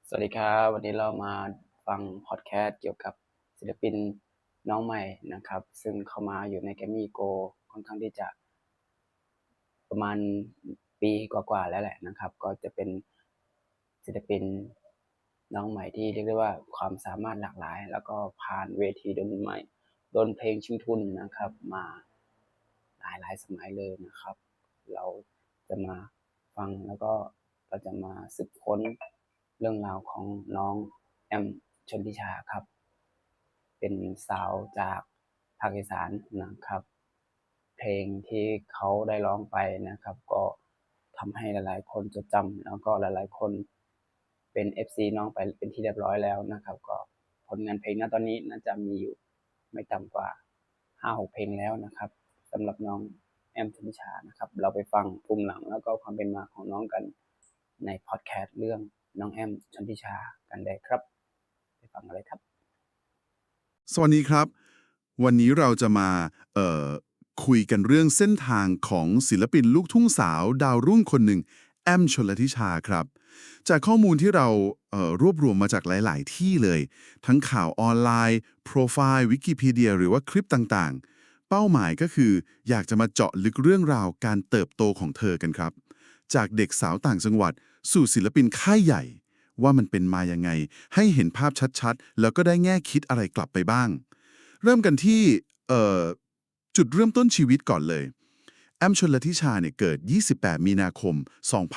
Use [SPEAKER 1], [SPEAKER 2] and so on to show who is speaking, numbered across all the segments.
[SPEAKER 1] สวัสดีครับวันนี้เรามาฟังพอดแคสต์เกี่ยวกับศิลปินน้องใหม่นะครับซึ่งเข้ามาอยู่ใน Grammy Go ค่อนข้างที่จะประมาณปีกว่าๆแล้วแหละนะครับก็จะเป็นศิลปินน้องใหม่ที่เรียกได้ว่าความสามารถหลากหลายแล้วก็ผ่านเวทีดนเพลงชิงทุนนะครับมาหลายสมัยเลยนะครับเราจะมาฟังแล้วก็เราจะมาสืบค้นเรื่องราวของน้องแอมชนทิชาครับเป็นสาวจากภาคอีสานนะครับเพลงที่เขาได้ร้องไปนะครับก็ทำให้หลายๆคนจดจำแล้วก็หลายๆคนเป็น FC น้องไปเป็นที่เรียบร้อยแล้วนะครับก็ผลงานเพลงณตอนนี้น่าจะมีอยู่ไม่ต่ำกว่า5-6เพลงแล้วนะครับสำหรับน้องแอมชนทิชานะครับเราไปฟังภูมิหลังแล้วก็ความเป็นมาของน้องกันในพอดแคสต์เรื่องน้องแอมชนทิชากันได้ครับไปฟังกันเลยครับ
[SPEAKER 2] สวัสดีครับวันนี้เราจะมาคุยกันเรื่องเส้นทางของศิลปินลูกทุ่งสาวดาวรุ่งคนหนึ่งแอมชลทิชาครับจากข้อมูลที่เรารวบรวมมาจากหลายๆที่เลยทั้งข่าวออนไลน์โปรไฟล์วิกิพีเดียหรือว่าคลิปต่างๆเป้าหมายก็คืออยากจะมาเจาะลึกเรื่องราวการเติบโตของเธอกันครับจากเด็กสาวต่างจังหวัดสู่ศิลปินค่ายใหญ่ว่ามันเป็นมายังไงให้เห็นภาพชัดๆแล้วก็ได้แง่คิดอะไรกลับไปบ้าง เริ่มกันที่เอ่อจุดเริ่มต้นชีวิตก่อนเลยแอมชลทิชาเนี่ยเกิด 28 มีนาคม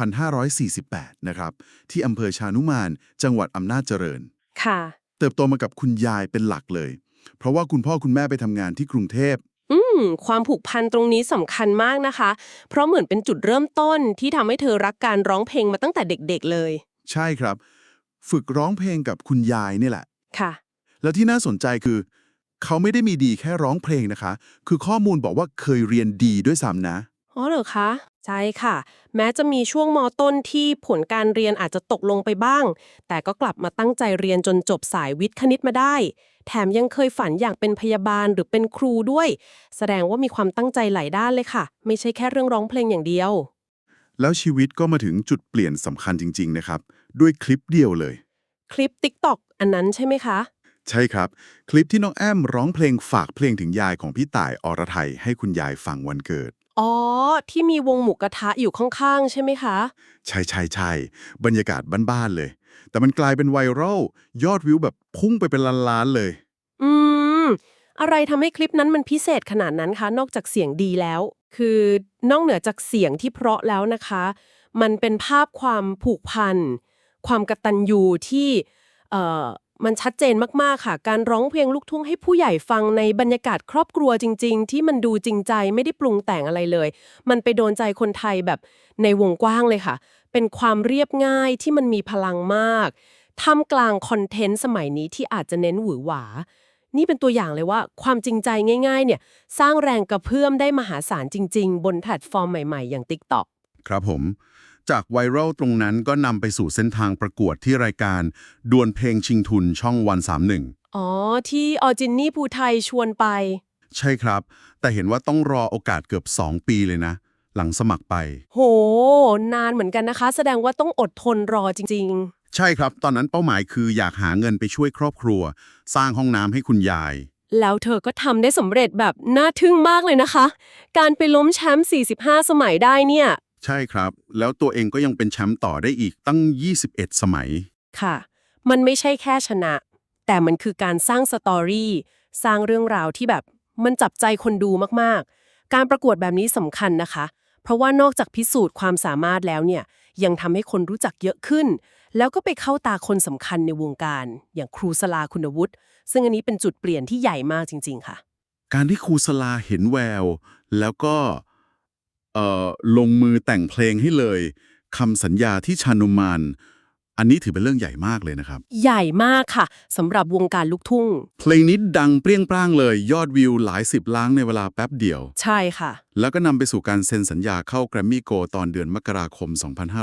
[SPEAKER 2] 2548 นะครับที่อำเภอชานุมานจังหวัดอำนาจเจริญ
[SPEAKER 3] ค่ะ
[SPEAKER 2] เติบโตมากับคุณยายเป็นหลักเลย เพราะว่าคุณพ่อคุณแม่ไปทำงานที่กรุงเทพ
[SPEAKER 3] ความผูกพันตรงนี้สำคัญมากนะคะ เพราะเหมือนเป็นจุดเริ่มต้นที่ทำให้เธอรักการร้องเพลงมาตั้งแต่เด็กๆเลย
[SPEAKER 2] ใช่ครับ ฝึกร้องเพลงกับคุณยายนี่แหละ
[SPEAKER 3] ค่ะ
[SPEAKER 2] แล้วที่น่าสนใจคือเขาไม่ได้มีดีแค่ร้องเพลงนะคะ คือข้อมูลบอกว่าเคยเรียนดีด้วยซ้ำนะ
[SPEAKER 3] อ๋อเหรอคะ ใช่ค่ะ แม้จะมีช่วงมต้นที่ผลการเรียนอาจจะตกลงไปบ้าง แต่ก็กลับมาตั้งใจเรียนจนจบสายวิทย์คณิตมาได้ แถมยังเคยฝันอยากเป็นพยาบาลหรือเป็นครูด้วย แสดงว่ามีความตั้งใจหลายด้านเลยค่ะ ไม่ใช่แค่เรื่องร้องเพลงอย่างเดียว
[SPEAKER 2] แล้วชีวิตก็มาถึงจุดเปลี่ยนสำคัญจริงๆนะครับด้วยคลิปเดียวเลย
[SPEAKER 3] คลิป TikTok อันนั้นใช่ไหมคะ
[SPEAKER 2] ใช่ครับคลิปที่น้องแอมร้องเพลงฝากเพลงถึงยายของพี่ต่ายอรไทยให้คุณยายฟังวันเกิด
[SPEAKER 3] อ๋อ ที่มีวงหมูกระทะอยู่ข้างๆใช่ไหมคะ
[SPEAKER 2] ใช่ใช่ใช่บรรยากาศบ้านๆเลย แต่มันกลายเป็นไวรัลยอดวิวแบบพุ่งไปเป็นล้านๆเลย
[SPEAKER 3] อืม อะไรทำให้คลิปนั้นมันพิเศษขนาดนั้นคะ นอกจากเสียงดีแล้ว คือนอกเหนือจากเสียงที่เพราะแล้วนะคะ มันเป็นภาพความผูกพัน ความกตัญญูที่เอ่อมันชัดเจนมากๆค่ะ การร้องเพลงลูกทุ่งให้ผู้ใหญ่ฟังในบรรยากาศครอบครัวจริงๆ ที่มันดูจริงใจไม่ได้ปรุงแต่งอะไรเลย มันไปโดนใจคนไทยแบบในวงกว้างเลยค่ะ เป็นความเรียบง่ายที่มันมีพลังมากท่ามกลางคอนเทนต์สมัยนี้ที่อาจจะเน้นหวือหวา นี่เป็นตัวอย่างเลยว่าความจริงใจง่ายๆเนี่ยสร้างแรงกระเพื่อมได้มหาศาลจริงๆบนแพลตฟอร์มใหม่ๆอย่าง TikTok
[SPEAKER 2] ครับผมจากไวรัลตรงนั้นก็นำไปสู่เส้นทางประกวดที่รายการดวลเพลงชิงทุนช่องวัน31
[SPEAKER 3] อ๋อที่ออจินนี่ภูไทยชวนไป
[SPEAKER 2] ใช่ครับ แต่เห็นว่าต้องรอโอกาสเกือบ2 ปีเลยนะ หลังสมัครไป
[SPEAKER 3] โหนานเหมือนกันนะคะแสดงว่าต้องอดทนรอจริง
[SPEAKER 2] ใช่ครับ ตอนนั้นเป้าหมายคืออยากหาเงินไปช่วยครอบครัว สร้างห้องน้ำให้คุณยาย
[SPEAKER 3] ๆแล้วเธอก็ทำได้สำเร็จแบบน่าทึ่งมากเลยนะคะ การไปล้มแชมป์45 สมัยได้เนี่ย
[SPEAKER 2] ใช่ครับ แล้วตัวเองก็ยังเป็นแชมป์ต่อได้อีกตั้ง 21 สมัย
[SPEAKER 3] ค่ะ มันไม่ใช่แค่ชนะ แต่มันคือการสร้างสตอรี่ สร้างเรื่องราวที่แบบมันจับใจคนดูมากๆ การประกวดแบบนี้สำคัญนะคะ เพราะว่านอกจากพิสูจน์ความสามารถแล้วเนี่ย ยังทำให้คนรู้จักเยอะขึ้น แล้วก็ไปเข้าตาคนสำคัญในวงการ อย่างครูสลาคุณวุฒิ ซึ่งอันนี้เป็นจุดเปลี่ยนที่ใหญ่มากจริงๆค่ะ
[SPEAKER 2] การที่ครูสลาเห็นแวว แล้วก็ลงมือแต่งเพลงให้เลยคำสัญญาที่ชานุมานอันนี้ถือเป็นเรื่องใหญ่มากเลยนะครับ
[SPEAKER 3] ใหญ่มากค่ะสำหรับวงการลูกทุ่ง
[SPEAKER 2] เพลงนี้ดังเปรี้ยงปร้างเลยยอดวิวหลาย10 ล้านในเวลาแป๊บเดียว
[SPEAKER 3] ใช่ค่ะ
[SPEAKER 2] แล้วก็นำไปสู่การเซ็นสัญญาเข้าแกรมมี่โกตอนเดือนมกราคม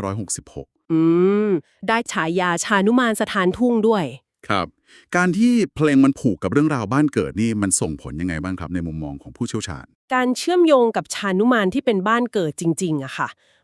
[SPEAKER 2] 2566
[SPEAKER 3] อืม ได้ฉายาชานุมานสถานทุ่งด้วย
[SPEAKER 2] ครับการที่เพลงมันผูกกับเรื่องราวบ้านเกิดนี่มันส่งผลยังไงบ้างครับในมุมมองของผู้เชี่ยวชาญ
[SPEAKER 3] การเชื่อมโยงกับชานุมานที่เป็นบ้านเกิดจริงๆอะค่ะ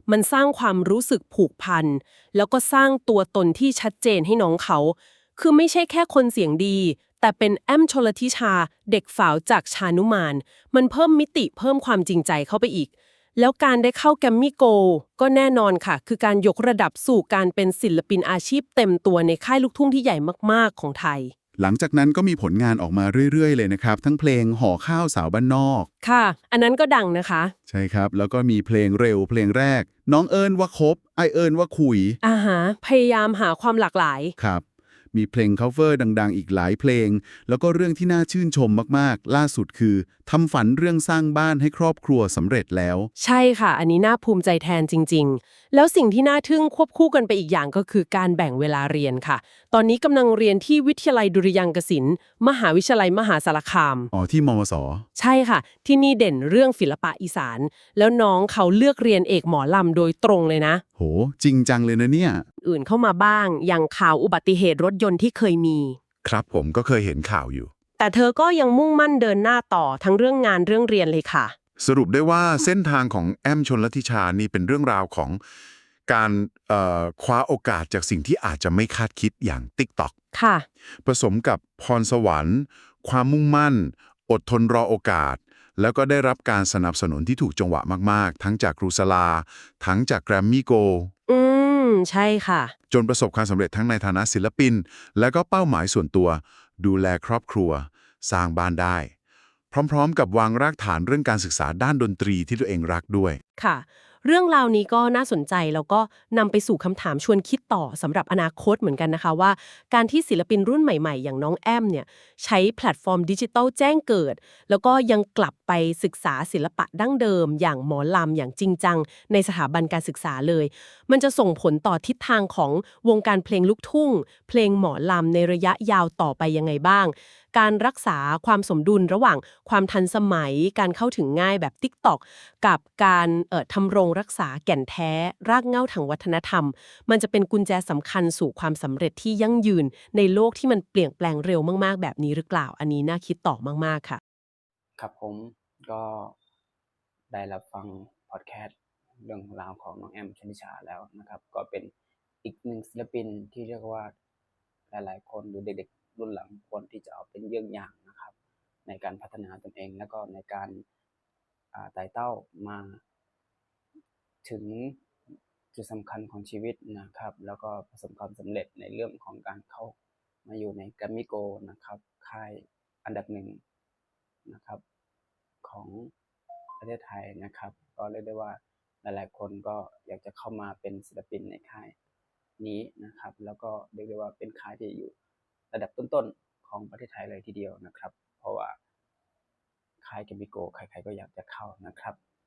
[SPEAKER 3] มันสร้างความรู้สึกผูกพันแล้วก็สร้างตัวตนที่ชัดเจนให้น้องเขาคือไม่ใช่แค่คนเสียงดีแต่เป็นแอมชลทิชาเด็กฝาวจากชานุมานมันเพิ่มมิติเพิ่มความจริงใจเข้าไปอีกแล้วการได้เข้าแกรมมี่โกลด์ก็แน่นอนค่ะคือการยกระดับสู่การเป็นศิลปินอาชีพเต็มตัวในค่ายลูกทุ่งที่ใหญ่มากๆของไทย
[SPEAKER 2] หลังจากนั้นก็มีผลงานออกมาเรื่อยๆเลยนะครับทั้งเพลงห่อข้าวสาวบ้านนอก
[SPEAKER 3] ค่ะอันนั้นก็ดังนะคะ
[SPEAKER 2] ใช่ครับแล้วก็มีเพลงเร็วเพลงแรกน้องเอิญว่าคบไอเอิญว่าคุย
[SPEAKER 3] อ่าฮะพยายามหาความหลากหลาย
[SPEAKER 2] ครับมีเพลง cover ดังๆอีกหลายเพลงแล้วก็เรื่องที่น่าชื่นชมมากๆล่าสุดคือทำฝันเรื่องสร้างบ้านให้ครอบครัวสำเร็จแล้ว
[SPEAKER 3] ใช่ค่ะ อันนี้น่าภูมิใจแทนจริงๆ แล้วสิ่งที่น่าทึ่งควบคู่กันไปอีกอย่างก็คือการแบ่งเวลาเรียนค่ะ ตอนนี้กำลังเรียนที่วิทยาลัยดุริยางคศิลป์มหาวิทยาลัยมหาสารคาม
[SPEAKER 2] อ๋อที่มมส
[SPEAKER 3] ใช่ค่ะ ที่นี่เด่นเรื่องศิลปะอีสาน แล้วน้องเขาเลือกเรียนเอกหมอลำโดยตรงเลยนะ
[SPEAKER 2] โหจริงจังเลยนะเนี่ย
[SPEAKER 3] อื่นเข้ามาบ้าง อย่างข่าวอุบัติเหตุรถยนต์ที่เคยมี
[SPEAKER 2] ครับผมก็เคยเห็นข่าวอยู่
[SPEAKER 3] แต่เธอก็ยังมุ่งมั่นเดินหน้าต่อทั้งเรื่องงานเรื่องเรียนเลยค่ะ
[SPEAKER 4] สรุปได้ว่าเส้นทางของแอมชลทิชานี่เป็นเรื่องราวของการคว้าโอกาสจากสิ่งที่อาจจะไม่คาดคิดอย่าง TikTok
[SPEAKER 3] ค่ะ
[SPEAKER 4] ผสมกับพรสวรรค์ ความมุ่งมั่น อดทนรอโอกาส แล้วก็ได้รับการสนับสนุนที่ถูกจังหวะมากๆ ทั้งจากครูสลา ทั้งจากแกรมมี่โก
[SPEAKER 3] อืมใช่ค่ะ
[SPEAKER 4] จนประสบความสำเร็จทั้งในฐานะศิลปิน และก็เป้าหมายส่วนตัว ดูแลครอบครัว สร้างบ้านได้ พร้อมๆ กับวางรากฐานเรื่องการศึกษาด้านดนตรีที่ตัวเองรักด้วย
[SPEAKER 3] ค่ะเรื่องราวนี้ก็น่าสนใจแล้วก็นำไปสู่คำถามชวนคิดต่อสำหรับอนาคตเหมือนกันนะคะว่าการที่ศิลปินรุ่นใหม่ๆอย่างน้องแอมเนี่ยใช้แพลตฟอร์มดิจิทัลแจ้งเกิดแล้วก็ยังกลับไปศึกษาศิลปะดั้งเดิมอย่างหมอลำอย่างจริงจังในสถาบันการศึกษาเลยมันจะส่งผลต่อทิศทางของวงการเพลงลูกทุ่งเพลงหมอลำในระยะยาวต่อไปยังไงบ้างการรักษาความสมดุลระหว่างความทันสมัยการเข้าถึงง่ายแบบ TikTok กับการทำรงรักษาแก่นแท้รากเหง้าทางวัฒนธรรมมันจะเป็นกุญแจสำคัญสู่ความสำเร็จที่ยั่งยืนในโลกที่มันเปลี่ยนแปลงเร็วมากๆแบบนี้หรือเปล่าอันนี้น่าคิดต่อมากๆค่ะ
[SPEAKER 1] ครับผมก็ได้รับฟังพอดแคสต์เรื่องราวของน้องแอมชนิชาแล้วนะครับก็เป็นอีกหนึ่งศิลปินที่เรียกว่าหลายๆคนหรือเด็กๆรุ่นหลังควรที่จะเอาเป็นเยี่ยงอย่างนะครับในการพัฒนาตนเองแล้วก็ในการไต่เต้ามาถึงจุดสำคัญของชีวิตนะครับแล้วก็ประสบความสำเร็จในเรื่องของการเข้ามาอยู่ในแกรมมี่โกลด์นะครับค่ายอันดับหนึ่งนะครับของประเทศไทยนะครับก็เรียกได้ว่าหลายๆคนก็อยากจะเข้ามาเป็นศิลปินในค่ายนี้นะครับแล้วก็เรียกได้ว่าเป็นค่ายที่อยู่ระดับต้นๆของประเทศไทยเลยทีเดียวนะครับเพราะว่าค่ายแกรมมี่โกลด์ใครๆก็อยากจะเข้านะครับ